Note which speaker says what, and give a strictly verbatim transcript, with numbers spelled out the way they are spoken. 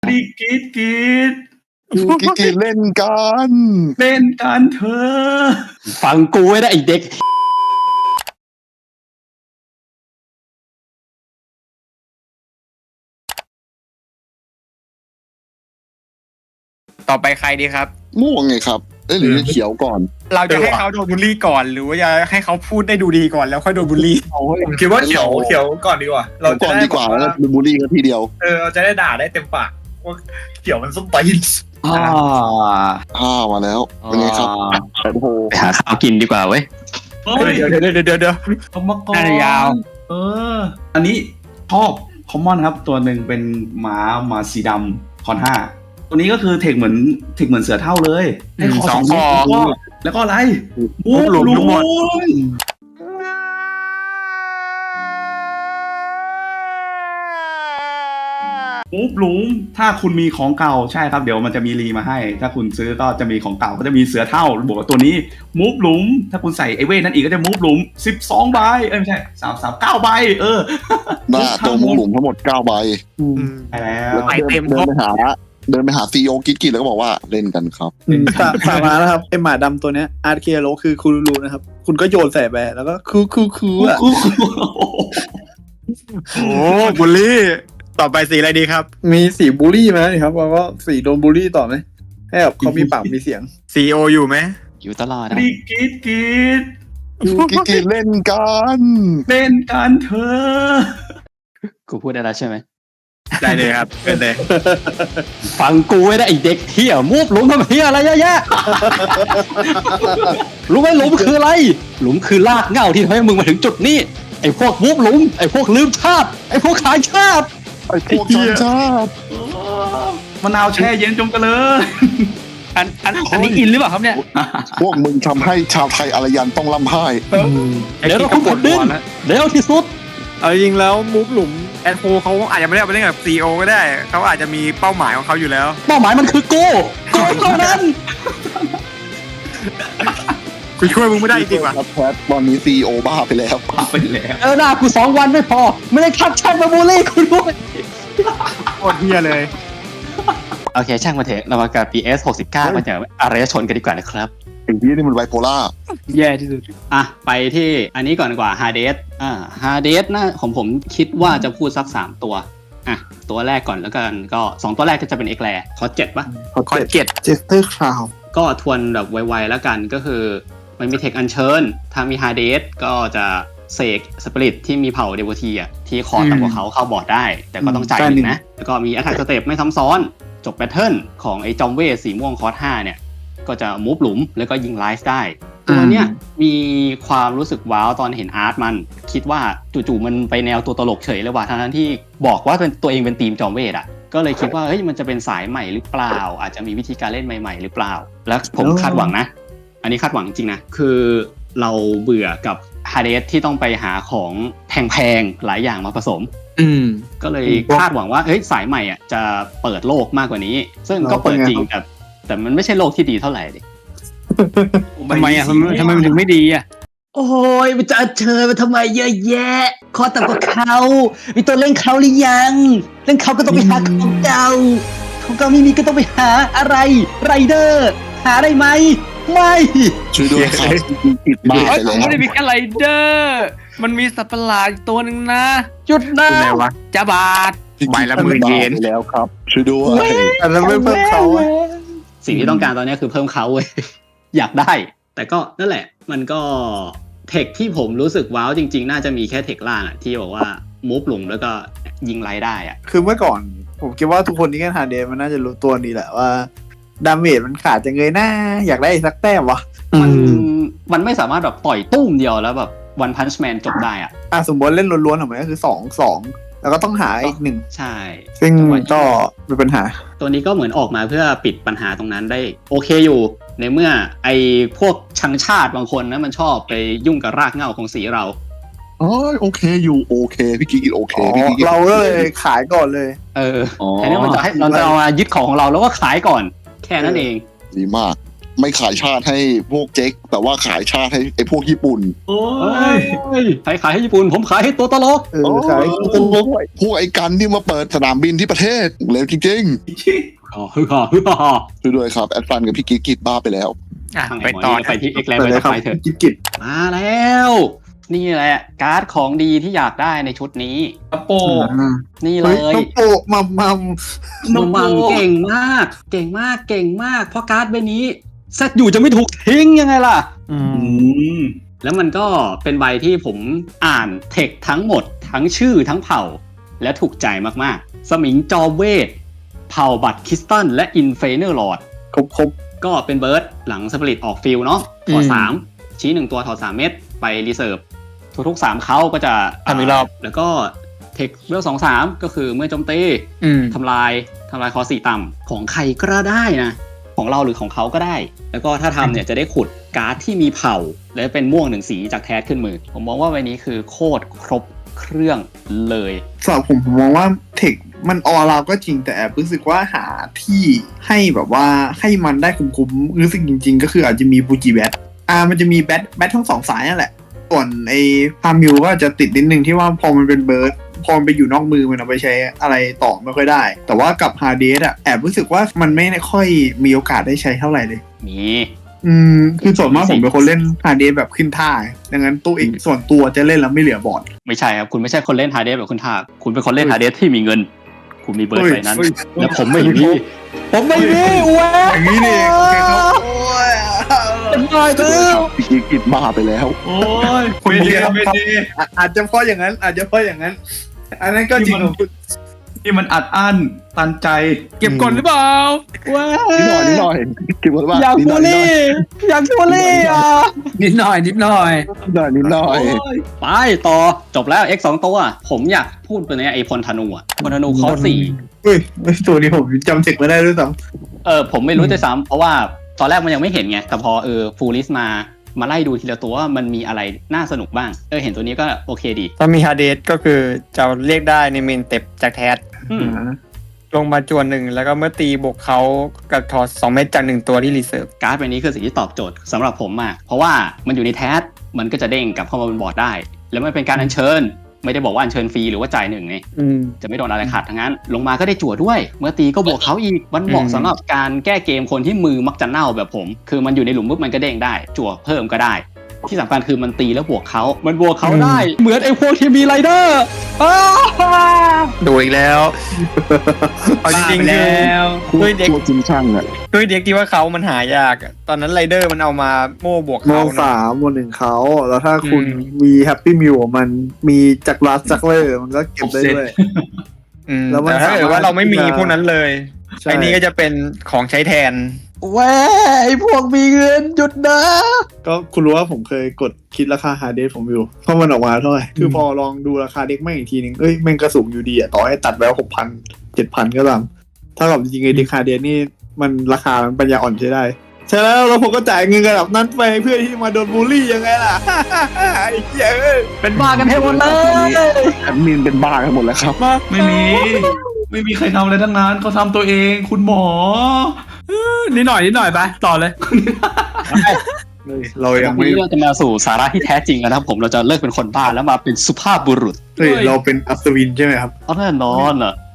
Speaker 1: รีกรีดกรีด
Speaker 2: อยู่กิกเล่นกัน
Speaker 1: เล่นกันเธอ
Speaker 3: ฟังกูไว้นะไอเด็ก
Speaker 4: ต่อไปใครดีครับ
Speaker 2: ม่วงไงครับเอ้ยหรือเขียวก่อน
Speaker 4: เราจะให้เขาโดนบูลลี่ก่อนหรือว่าจะให้เขาพูดได้ดูดีก่อนแล้วค่อยโดนบูลลี่
Speaker 5: ผมคิดว่าเขียวเขียวก่อนดีกว่า
Speaker 2: เราก่อนดีกว่าแล้วเป็นบูลลี่กันทีเดียว
Speaker 5: เออเราจะได้ด่าได้เต็มปากว่าเขียวมันส้มตีน
Speaker 3: อ่า
Speaker 2: อ่ามาแล้วเป็นไงครับแอนโฮ
Speaker 3: ไปหาข้าวกินดีกว่าเว้ย
Speaker 1: เฮ้ย
Speaker 4: เดี๋ยวเดี๋ยวเดี๋ยวเดี๋ยวเดี๋ยว
Speaker 1: เอามาก่อน
Speaker 4: น่าจะยาว
Speaker 1: เออ อันนี้ชอบคอมมอนครับ ตัวหนึ่งเป็นหมาหมาสีดำคอนห้าตัวนี้ก็คือเทคเหมือนเทคเหมือนเสือเท่าเลยให้คอสองคอแล้วก็อะไรมูฟหลุมทั้งหมดมูฟหลุมถ้าคุณมีของเก่าใช่ครับเดี๋ยวมันจะมีรีมาให้ ถ้าคุณซื้อก็จะมีของเก่าก็จะมีเสือเท่าบวกกับตัวนี้มูฟหลุมถ้าคุณใส่ไอเว่นั่นอีกก็จะมูฟหลุมสิบสองใบเอ้ยไม่ใช่สาม สาม เก้าใบเออ
Speaker 2: หน้าตัวมุมหลุมทั้งหมดเก้าใบ
Speaker 1: ไปแล้ว
Speaker 4: ไปเต็ม
Speaker 2: เดินไปหาเดินไปหาซีโอกิกกิแล้วก็บอกว่าเล่นกันครับ
Speaker 6: สาสามาแล้วครับไอหมาดำตัวเนี้ยอาร์เคโรคือคูรูนะครับ คุณก็โยนใส่ไปแล้วก็คูคูคูอ่ะ
Speaker 4: โอ้บูลลี่ต่อไปสีอะไรดีครับ
Speaker 6: มีสีบูลลี่ไหมครับแล้วก็สีโดนบูลลี่ต่อไหมให้แบบเขามีปากมีเสียง
Speaker 4: ซีโออยู่ไหม
Speaker 3: อยู่ตลอดนะ
Speaker 1: รีกรีดกรีด
Speaker 2: อยู่กิกกิเล่นกัน
Speaker 1: เล่นกันเธอ
Speaker 3: กูพูดได้แล้วใช่ไหม
Speaker 4: ได้เลยครับเป็นเลย
Speaker 3: ฟังกูไว้นะไอเด็กเฮียมูฟหลุมทำเฮียอะไรเยอะแยะรู้ไหมหลุมคืออะไร หลุมคือลากเหง้าที่ทำให้มึงมาถึงจุดนี้ไอพวกมูฟหลุมไอพวกลืมชาติไอพวกขายชาติ
Speaker 2: ไอ้พวกชนชาติ
Speaker 1: มะนาวแช่เย็นจงกันเลย
Speaker 4: อันอันอันนี้อินหรือเปล่าครับเนี่ย
Speaker 2: พวกมึงทำให้ชาวไทยอารยันต้องร่ำไห้
Speaker 3: เดี๋ยวเราคุยกันดินเร็วที่สุด
Speaker 6: เอาจริงแล้วมูฟหลุม
Speaker 4: แอนโฟเขาอาจจะไม่ได้เอาไปเล่นกับซีโอก็ได้เขาอาจจะมีเป้าหมายของเขาอยู่แล้ว
Speaker 3: เป้าหมายมันคือกูกูเท่านั้น
Speaker 4: กูช่วยมึงไม่ได้จริงๆว่ะ
Speaker 2: ครับแพทตอนนี้ซีโอบ้าไปแล้ว
Speaker 1: ปาไปแล้ว
Speaker 3: เออหน้ากูสองวันไม่พอ ไม่ได้ทักแชทมาบูลลี่กูด้วย
Speaker 4: โคตรเฮียเลย
Speaker 3: โอเคช่างมาเถอะเรามากับ พี เอส หกสิบเก้ามาจากอารยชนกันดีกว่านะครับ
Speaker 2: ไอ้ที่นี่มันไบโพล่า
Speaker 6: แย่ที่สุด
Speaker 3: อ่ะไปที่อันนี้ก่อนดีกว่า Hades อ่า Hades นะของผมคิดว่าจะพูดสักสามตัวอ่ะตัวแรกก่อนแล้วกันก็สองตัวแรกก็จะเป็นเอ็กแลคอเจ็ดปะ
Speaker 4: คอนเจ็ด
Speaker 6: เจสเตอร์คราว
Speaker 3: ก็ทวนแบบไวๆแล้วกันก็คือมันมีเทคอัญเชิญถ้ามี Hades ก็จะเสกสปิริตที่มีเผ่าเดโวทีอ่ะที่คอต่ำกว่าเขาเข้าบอร์ดได้ แต่ก็ต้องจ่ายหนึ่งนะแล้วก็มีอัตแทกสเต็ปไม่ซ้ำซ้อนจบแพทเทิร์นของไอ้จอมเวทสีม่วงคอร์สห้าเนี่ยก็จะมูฟหลุมแล้วก็ยิงไลฟ์ได้ตัวเนี้ยมีความรู้สึกว้าวตอนเห็นอาร์ตมันคิดว่าจู่ๆมันไปแนวตัวตลกเฉยเลยว่ะทั้งที่บอกว่าเป็นตัวเองเป็นทีมจอมเวทอ่ะก็เลยคิดว่าเฮ้ยมันจะเป็นสายใหม่หรือเปล่าอาจจะมีวิธีการเล่นใหม่ๆหรือเปล่าแล้วผมคาดหวังนะอันนี้คาดหวังจริงนะคือเราเบื่อกับฮาเดสที่ต้องไปหาของแพงๆหลายอย่างมาผสม
Speaker 6: อืม
Speaker 3: ก็เลยคาดหวังว่าเฮ้ยสายใหม่อ่ะจะเปิดโลกมากกว่านี้ ซึ่งก็เปิดจริงแต่แต่มันไม่ใช่โลกที่ดีเท่าไหร่ดิ
Speaker 4: ทำไมอ่ะทำไมทำไมมันถึงไม่ดีอ่ะ
Speaker 3: โอ้ยมันจะเชิญมาทำไมเยอะแยะคอต่ำกว่าเขามีตัวเล่นเขาหรือยังเล่นเขาก็ต้องไปหาของเก่าของเก่าไม่มีก็ต้องไปหาอะไรไรเดอร์หาได้ไหมไม่
Speaker 2: ช่วยด้วยครับติดบ้าไปแล้ว
Speaker 7: ไม่ได้มีแค่ไรเดอร์มันมีสัตว์ประหลาดอีกตัวหนึ่งนะหยุดนะ
Speaker 4: คุณอะไรวะ
Speaker 7: จะบาด
Speaker 4: ใบละหมื่นเยน
Speaker 2: ไปแล้วครับช่วยด้วย
Speaker 6: แต่แล้วไม่เพิ่มเขาอะ
Speaker 3: สิ่งที่ต้องการตอนนี้คือเพิ่มเขาเว้ย อยากได้ แต่ก็นั่นแหละมันก็เทคที่ผมรู้สึกว้าวจริงๆ น่าจะมีแค่เทคล่างอะที่บอกว่ามูฟหลุมแล้วก็ยิงไลได้อะ
Speaker 6: คือเมื่อก่อน ผมคิดว่าทุกคนที่เล่นฮาร์เดย์มันน่าจะรู้ตัวนี้แหละว่าดาเมจมันขาดจังเลยนะอยากได้อีกสักแต้มวะ
Speaker 3: มันมันไม่สามารถแบบต่อยตุ้มเดียวแล้วแบบวันพันช์แมนจบได้อะ
Speaker 6: อ่ะสมมติเล่นล้วนๆของมันก็คือสองสองแล้วก็ต้องหาอีกหนึ่ง
Speaker 3: ใช่
Speaker 6: ซึ่งก็เป็นปัญหา
Speaker 3: ตัวนี้ก็เหมือนออกมาเพื่อปิดปัญหาตรงนั้นได้โอเคอยู่ ในเมื่อไอ้พวกชังชาติบางคนนะมันชอบไปยุ่งกับรากเหง้าของสีเรา
Speaker 2: อ๋อโอเคอยู่โอเคพี่กิ๊กโอเคพี่กิ๊ก
Speaker 6: เราก็เลยขายก่อนเลย
Speaker 3: เออแทนที่มันจะให้เราจะเอามายึดของของเราแล้วก็ขายก่อนแค่นั้นเอง
Speaker 2: ดีมากไม่ขายชาติให้พวกเจ๊กแต่ว่าขายชาติให้ไอ้พวกญี่ปุ่น
Speaker 1: โอ้
Speaker 3: เฮ้
Speaker 1: ย
Speaker 3: ยใครขายให้ญี่ปุ่นผมขายให้ตัวตลก
Speaker 6: เออขาย
Speaker 2: โอ้โหพวกไอ้กันที่มาเปิดสนามบินที่ประเทศเลวจริง
Speaker 3: อ๋อฮึฮ่าฮึฮ่า
Speaker 2: ๆช่วยด้วยครับแอดฟันกับพี่กิ๊กกิดบ้าไปแล้ว
Speaker 7: อ่ะ
Speaker 3: ทางไหน
Speaker 7: ไป
Speaker 3: หมอ
Speaker 7: ต่อ
Speaker 3: นี่ไปที่เอ็กแลน
Speaker 6: ไป
Speaker 3: ไป
Speaker 6: เลย
Speaker 3: ต่
Speaker 6: ครั
Speaker 3: อบ ไปเถอะ
Speaker 6: กิจกิจ
Speaker 3: มาแล้ว นี่แหละการ์ดของดีที่อยากได้ในชุดนี้
Speaker 1: กระโปง
Speaker 3: นี่เล
Speaker 6: เฮ้ย
Speaker 3: ย
Speaker 6: น้องโปะมัมมัม
Speaker 3: มังมังเก่งมาก เก่งมากเก่งมากเพราะการ์ดใบนี้เซตอยู่จะไม่ถูกทิ้งยังไงล่ะ
Speaker 7: อื
Speaker 1: อื
Speaker 7: ม
Speaker 1: ม
Speaker 3: แล้วมันก็เป็นใบที่ผมอ่านเทคทั้งหมด ทั้งชื่อทั้งเผ่า และถูกใจมากๆ สมิงจอมเวท เผ่าบัตรคริสตัลและอินเฟเนอร์ลอร์ด
Speaker 6: ครบครบ
Speaker 3: ก็เป็นเบิร์ดหลังสปริตออกฟิลเนาะถอดสามชี้หนึ่งตัวถอดสามเม็ดไปรีเซิร์ฟทุกๆสามเขาก็จะ
Speaker 7: ทำอีกรอบ
Speaker 3: แล้วก็เทคเวลสองสามก็คือเมื่อโจมตี
Speaker 7: อืม
Speaker 3: ทำลายทำลายคอสี่ต่ำของใครก็ได้นะ ของเราหรือของเขาก็ได้ แล้วก็ถ้าทำเนี่ยจะได้ขุดการ์ดที่มีเผ่า และเป็นม่วงหนึ่งสีจากแทสขึ้นมือ ผมมองว่าใบนี้คือโคตรครบเครื่องเลย
Speaker 6: สำหรับผมผมมองว่าเทคมันออเราก็จริงแต่แอบรู้สึกว่าหาที่ให้แบบว่าให้มันได้คุ้มๆรู้สึกจริง ๆ ก็คืออาจจะมีบูจิแบทอ่ามันจะมีแบทแบททั้งสองสายนั่นแหละ ส่วนไอ้พามิวก็จะติดนิดนึงที่ว่าพอมันเป็นเบิร์ดพอมันไปอยู่นอกมือมันเอาไปใช้อะไรต่อไม่ค่อยได้ แต่ว่ากับฮาเดสอะแอบรู้สึกว่ามันไม่ค่อยมีโอกาสได้ใช้เท่าไหร่เลย
Speaker 3: มี
Speaker 6: อืมคือส่วนมากผมเป็นคนเล่นฮาเดสแบบขึ้นท่าดังนั้นตัวเองส่วนตัวจะเล่นแล้วไม่เหลือบอร์ด
Speaker 3: ไม่ใช่ครับ คุณไม่ใช่คนเล่นฮาร์เดสแบบคุณทาคุณเป็นคนเล่นฮาร์เดสที่มีเงิน คุณมีเบิร์ด
Speaker 6: เฮ้ย
Speaker 3: ใบนั้น
Speaker 6: เฮ้ย
Speaker 3: และผมไม่มีผมไม่มีอ้ว
Speaker 6: อย่างนี้นี่เองโอเคครับโอ้ย
Speaker 3: เป็นบ้าเด้อ
Speaker 2: พี่กิ๊กกิดบ้าไปแล้ว
Speaker 1: โอ้ย
Speaker 6: คุณ
Speaker 1: ไม่
Speaker 6: ดี
Speaker 1: ดี
Speaker 6: ครับ
Speaker 1: ไม่ดี
Speaker 6: อ่ะอาจจะเพราะอย่างนั้น อาจจะเพราะอย่างนั้น อันนั้นก็จริงของคุณ
Speaker 1: ที่มันอัดอั้นตันใจ
Speaker 7: เก็บก่อนหรือเปล่า
Speaker 3: ว้า
Speaker 2: นิดหน่อยนิดหน่อยคิดว่าว่า
Speaker 3: อยาก
Speaker 2: นิดห
Speaker 3: บู
Speaker 2: น่
Speaker 3: ล
Speaker 2: อยนิดหน่อย
Speaker 3: ลี่อยากบูลลี่อ่ะ
Speaker 7: นิดหน่อย นิดหน่อย
Speaker 2: นิดหน่อยนิดหน่อย
Speaker 3: ไปต่อจบแล้ว X สองตัว ผมอยากพูดไปเนี่ยไอพลธนูอ่ะพลธนูคอร์สสี่
Speaker 6: เฮ้ยไม่ตัวนี้ผมจำเสกไม่ได้ด้วยซ้
Speaker 3: เออผมไม่รู้ด้วยซ้ำเพราะว่าตอนแรกมันยังไม่เห็นไง แต่พอเออฟูลิสมามาไล่ดูทีละตัวว่ามันมีอะไรน่าสนุกบ้าง เออเห็นตัวนี้ก็โอเคดี
Speaker 7: ถ้ามีฮาเดสก็คือจะเรียกได้ในเมนเต็ปจากแทส
Speaker 3: อืม
Speaker 6: ำ
Speaker 7: ลงมาจวนหนึ่งแล้วก็เมื่อตีบวกเขากับถอดสองเม็ดจากหนึ่งตัวที่รีเซิร์ฟ
Speaker 3: การ์ดใบนี้คือสิ่งที่ตอบโจทย์สำหรับผมมาก เพราะว่ามันอยู่ในแทสมันก็จะเด้งกลับเข้ามาบนบอร์ดได้ แล้วมันเป็นการอัญเชิญ ไม่ได้บอกว่าอัญเชิญฟรีหรือว่าจ่ายหนึ่งไง
Speaker 7: อืม
Speaker 3: จะไม่โดนอะไรขาดทั้งนั้น ลงมาก็ได้จั่วด้วย เมื่อตีก็บวกเขาอีก มันเหมาะ
Speaker 7: อืม
Speaker 3: สำหรับการแก้เกมคนที่มือมักจะเน่าแบบผม คือมันอยู่ในหลุมปุ๊บมันก็เด้งได้ จั่วเพิ่มก็ได้ ที่สำคัญคือมันตีแล้วบวกเขามันบวกเขาได้ เหมือนไอ้พวกที่มีไรเดอร์อ้าว
Speaker 7: ดูอีกแล้วเอาจริงๆแล้ คือวด้วยเด็ก
Speaker 2: ตัวจริงช่างอ่ะ
Speaker 7: ด้วยเด็กที่ว่าเขามันหายากอะตอนนั้นไรเดอร์มันเอามาโม่บวก
Speaker 6: โม
Speaker 7: เขา
Speaker 6: สา
Speaker 7: นะ
Speaker 6: มโมหนึ่งเขาแล้วถ้าคุณ
Speaker 7: อืม
Speaker 6: มีแฮปปี้มิวมันมีจักรลัสจักรเลอร์มันก็เก็บได้ด้วย
Speaker 7: อืม
Speaker 6: แล้วมัน
Speaker 7: แต่ถ้าเกิดว่าเราไม่มี
Speaker 6: สามารถ
Speaker 7: พวกนั้นเลย
Speaker 6: ใช่
Speaker 7: ไอ้นี่ก็จะเป็นของใช้แทน
Speaker 3: แว้ไอ้พวกมีเงินหยุดนะ
Speaker 6: ก็คุณรู้ว่าผมเคยกดคิดราคาฮาร์ดเดสผมอยู่เพราะมันออกมาเท่าไหร่คือพอลองดูราคาเด็กแม่งอีกทีนึงเอ้ยแม่งกระสูงอยู่ดีอะต่อให้ตัดแล้วหกพันเจ็ดพันก็ตามถ้ากับจริงๆไอ้เด็กฮาร์ดเดสนี่มันราคามันปัญญาอ่อนใช้ได้ใช่แล้วแล้วผมก็จ่ายเงินระดับนั้นไปเพื่อที่มาโดนบูลลี่ยังไงล่ะ ไอ้เหี้ยเอ้ย
Speaker 3: เป็นบ้ากันให้หมดเลย
Speaker 2: แอดมินเป็นบ้ากันหมดแล้วครับ
Speaker 1: ไม่มี ไม่มีใครทำอะไรทั้งนั้นเขาทำตัวเองคุณหมอ
Speaker 7: นิดหน่อยนิดหน่อยไปต่อเลย
Speaker 6: เรายัง
Speaker 3: วัน
Speaker 6: ไม่
Speaker 3: นี้เราจะมาสู่สาระที่แท้จริงแล้วนะครับผมเราจะเลิกเป็นคนบ้าแล้วมาเป็นสุภาพบุรุษ
Speaker 6: เฮ้ยเราเป็นอัศวินใช่ไหมครับ
Speaker 3: เอาแน่นอนอ่ะ